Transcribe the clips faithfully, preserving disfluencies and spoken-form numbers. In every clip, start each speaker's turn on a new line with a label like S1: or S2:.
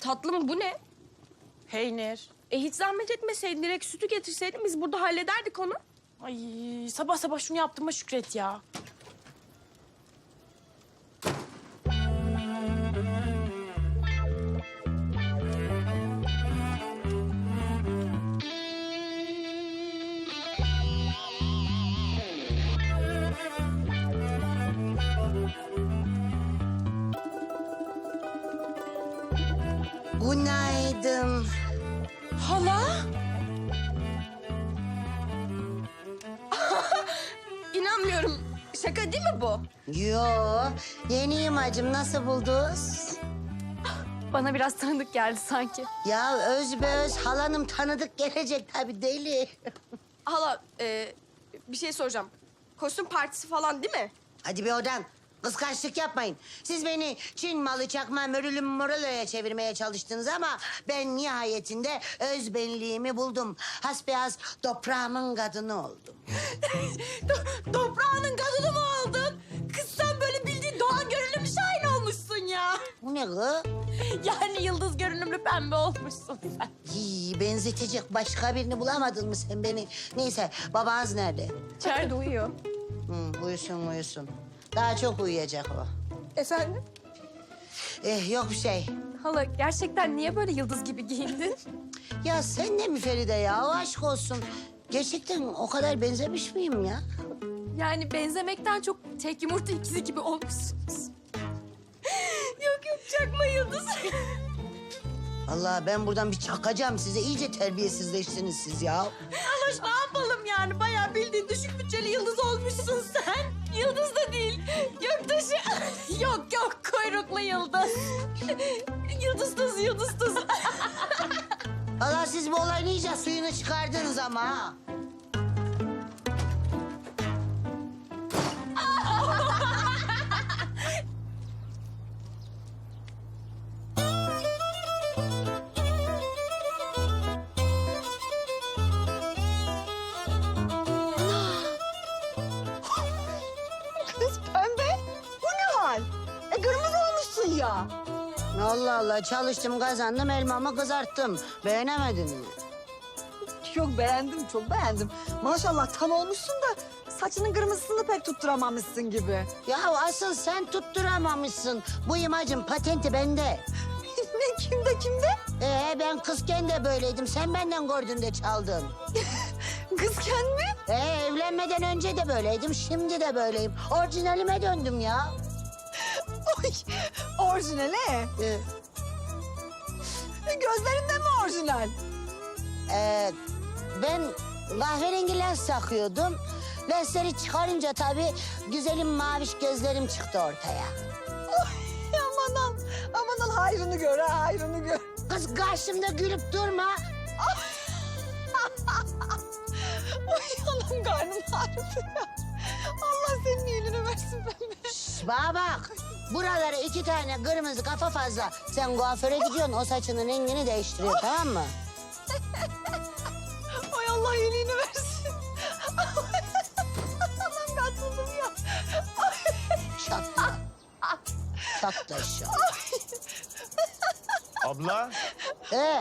S1: Tatlım bu ne?
S2: Peynir.
S1: E hiç zahmet etmeseydin direkt sütü getirseydin biz burada hallederdik onu.
S2: Ay sabah sabah şunu yaptığıma şükret ya.
S3: Günaydın.
S2: Hala?
S1: İnanmıyorum. Şaka değil mi bu?
S3: Yo, yeniyim hacım. Nasıl buldunuz?
S1: Bana biraz tanıdık geldi sanki.
S3: Ya özbeöz halanım tanıdık gelecek tabii deli.
S1: Hala e, bir şey soracağım. Kostüm partisi falan değil mi?
S3: Hadi bir odan. Kıskançlık yapmayın. Siz beni Çin malı çakma mörülüm moroloya çevirmeye çalıştınız ama ben nihayetinde öz benliğimi buldum. Hasbihas toprağımın kadını oldum.
S2: Toprağının kadını mı oldun? Kız sen böyle bildiğin Doğan görünümlü şahin olmuşsun ya.
S3: Bu ne kız?
S2: Yani yıldız görünümlü pembe olmuşsun sen.
S3: Hii, benzetecek başka birini bulamadın mı sen beni? Neyse babanız nerede?
S1: İçeride uyuyor.
S3: Hı, uyusun uyusun. Daha çok uyuyacak o.
S1: Efendim?
S3: Eh, yok bir şey.
S1: Hala gerçekten niye böyle yıldız gibi giyindin?
S3: Ya sen de mi Feride ya? Aşk olsun. Gerçekten o kadar benzemiş miyim ya?
S1: Yani benzemekten çok tek yumurta ikizi gibi olmuşsunuz. yok yok çakma yıldız.
S3: Allah ben buradan bir çakacağım size. İyice terbiyesizleştiniz siz ya.
S2: Aloş ne yapalım yani? Bayağı bildiğin düşük bütçeli yıldız olmuşsun sen.
S1: Yıldız da değil. Göktaşı.
S2: Yok yok kuyruklu yıldız.
S1: Yıldız tuz, yıldız tuz.
S3: Allah siz bu olayın iyice suyunu çıkardınız ama ha.
S4: Kız pembe, bu ne hal? E kırmızı olmuşsun ya.
S3: Allah Allah çalıştım kazandım elmamı kızarttım. Beğenemedin mi?
S4: Çok beğendim, çok beğendim. Maşallah tam olmuşsun da saçının kırmızısını pek tutturamamışsın gibi.
S3: Ya asıl sen tutturamamışsın. Bu imajın patenti bende.
S4: ne kimde kimde?
S3: Ee ben kızken de böyleydim. Sen benden gördün de çaldın.
S4: Kızken mi?
S3: Ee evlenmeden önce de böyleydim. Şimdi de böyleyim. Orijinalime döndüm ya.
S4: Oy, orijinale.
S3: Ee,
S4: E, Gözlerin de mi orijinal?
S3: Ee, ben kahverengi lens takıyordum. Lensleri çıkarınca tabii güzelim maviş gözlerim çıktı ortaya.
S4: Oy, aman al, aman al hayrını gör ha, hayrını gör.
S3: Kız karşımda gülüp durma.
S4: Oy anam karnım ağrıdı ya. Allah senin iyiliğini versin pembe.
S3: Şş, bana bak. Buralara iki tane kırmızı kafa fazla. Sen kuaföre gidiyorsun o saçının rengini değiştiriyor tamam mı?
S4: Oy Allah iyiliğini versin. Anam katıldım ya.
S3: Çatla. Çatla şu.
S5: Abla,
S3: Ee,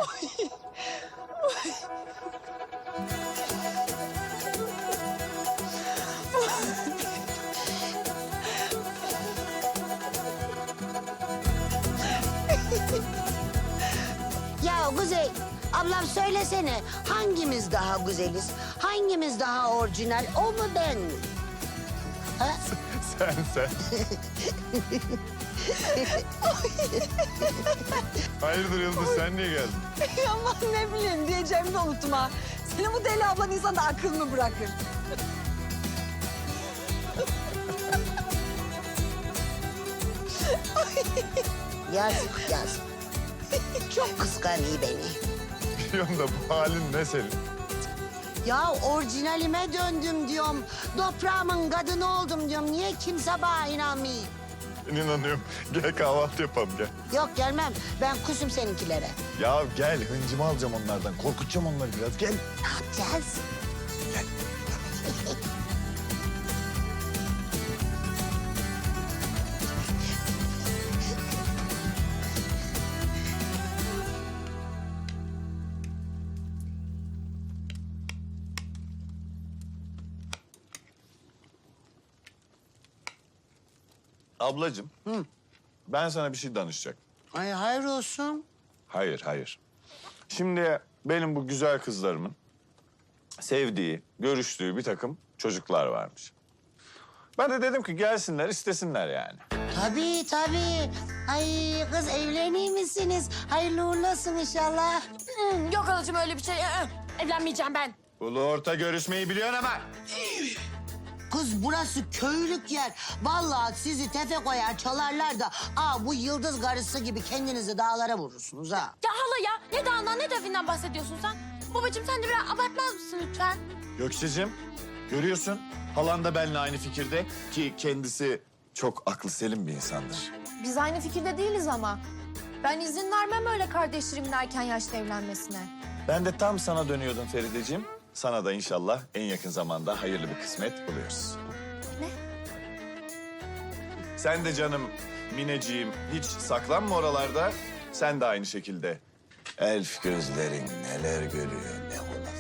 S3: ya Kuzey, ablam söylesene hangimiz daha güzeliz? Hangimiz daha orijinal? O mu ben mi? Ha?
S5: sen sen. Hayırdır Yıldız, sen niye geldin?
S4: Aman ne bileyim diyeceğimi de unuttum ha. Senin bu deli ablan insanda akıl mı bırakır?
S3: Yazık yazık. Çok kıskanıyor beni.
S5: Biliyorum da bu halin ne senin?
S3: Ya orijinalime döndüm diyorum. Toprağımın kadını oldum diyorum. Niye kimse bana inanmıyor?
S5: Ben inanıyorum. Gel kahvaltı yapalım gel.
S3: Yok gelmem. Ben kusum seninkilere.
S5: Ya gel, hıncımı alacağım onlardan. Korkutacağım onları biraz. Gel.
S3: Ne yapacağız?
S5: Ablacığım, ben sana bir şey danışacak.
S3: Ay hayır olsun.
S5: Hayır, hayır. Şimdi benim bu güzel kızlarımın sevdiği, görüştüğü bir takım çocuklar varmış. Ben de dedim ki gelsinler, istesinler yani.
S3: Tabii tabii. Ay kız evlenir misiniz? Hayırlı uğurlu olsun inşallah.
S1: Hmm, yok halacığım öyle bir şey. Ee, evlenmeyeceğim ben.
S5: Ulu orta görüşmeyi biliyorsun ama.
S3: Kız burası köylük yer. Vallahi sizi tefe koyar çalarlar da... ...aa bu yıldız karısı gibi kendinizi dağlara vurursunuz ha.
S1: Ya hala ya ne dağından ne devinden bahsediyorsun sen? Babacığım sen de biraz abartmaz mısın lütfen?
S5: Gökçe'cim, görüyorsun. Halan da benimle aynı fikirde ki kendisi çok aklı selim bir insandır.
S2: Biz aynı fikirde değiliz ama. Ben izin vermem öyle kardeşlerimin erken yaşta evlenmesine.
S5: Ben de tam sana dönüyordum Ferideciğim. Sana da inşallah en yakın zamanda hayırlı bir kısmet buluyoruz.
S2: Ne?
S5: Sen de canım Mineciğim hiç saklanma oralarda. Sen de aynı şekilde. Elf gözlerin neler görüyor ne olur.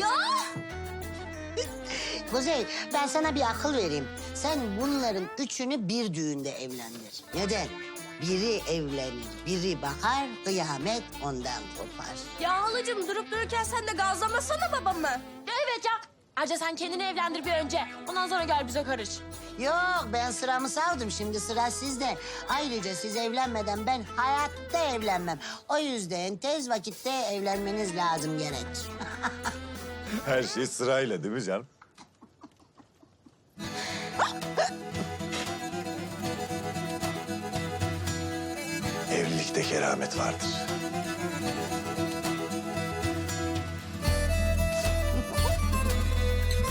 S3: Kuzey ben sana bir akıl vereyim. Sen bunların üçünü bir düğünde evlendir. Neden? Biri evlenir, biri bakar, kıyamet ondan kopar.
S1: Ya halacığım durup dururken sen de gazlamasana babamı. Ya evet ya. Ayrıca sen kendini evlendir bir önce. Ondan sonra gel bize karış.
S3: Yok ben sıramı savdım şimdi sıra sizde. Ayrıca siz evlenmeden ben hayatta evlenmem. O yüzden tez vakitte evlenmeniz lazım gerek.
S5: Her şey sırayla değil mi canım? Evlilikte keramet vardır.